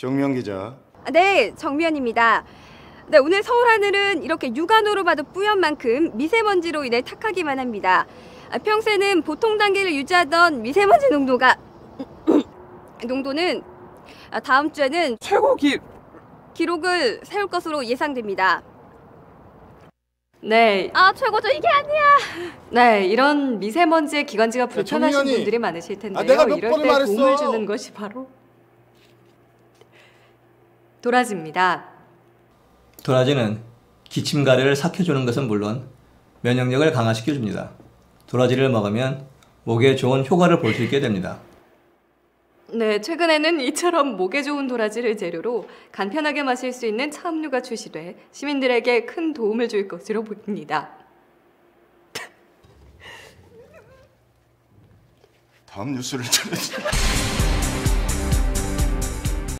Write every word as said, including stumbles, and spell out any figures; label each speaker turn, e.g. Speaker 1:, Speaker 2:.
Speaker 1: 정미영 기자.
Speaker 2: 네, 정미연입니다. 네, 오늘 서울 하늘은 이렇게 육안으로 봐도 뿌연 만큼 미세먼지로 인해 탁하기만 합니다. 평소에는 보통 단계를 유지하던 미세먼지 농도가 농도는 다음 주에는
Speaker 3: 최고 기
Speaker 2: 기록을 세울 것으로 예상됩니다.
Speaker 4: 네.
Speaker 2: 아, 최고죠. 이게 아니야.
Speaker 4: 네, 이런 미세먼지의 기관지가 불편하신
Speaker 1: 정미연이.
Speaker 4: 분들이 많으실 텐데요.
Speaker 1: 아, 내가 몇
Speaker 4: 이럴
Speaker 1: 번을
Speaker 4: 때
Speaker 1: 말했어.
Speaker 4: 도움을 주는 것이 바로 도라지입니다.
Speaker 5: 도라지는 기침가래를 삭혀주는 것은 물론 면역력을 강화시켜줍니다. 도라지를 먹으면 목에 좋은 효과를 볼 수 있게 됩니다.
Speaker 4: 네, 최근에는 이처럼 목에 좋은 도라지를 재료로 간편하게 마실 수 있는 차음료가 출시돼 시민들에게 큰 도움을 줄 것으로 보입니다.
Speaker 1: 다음 뉴스를 전해주세요.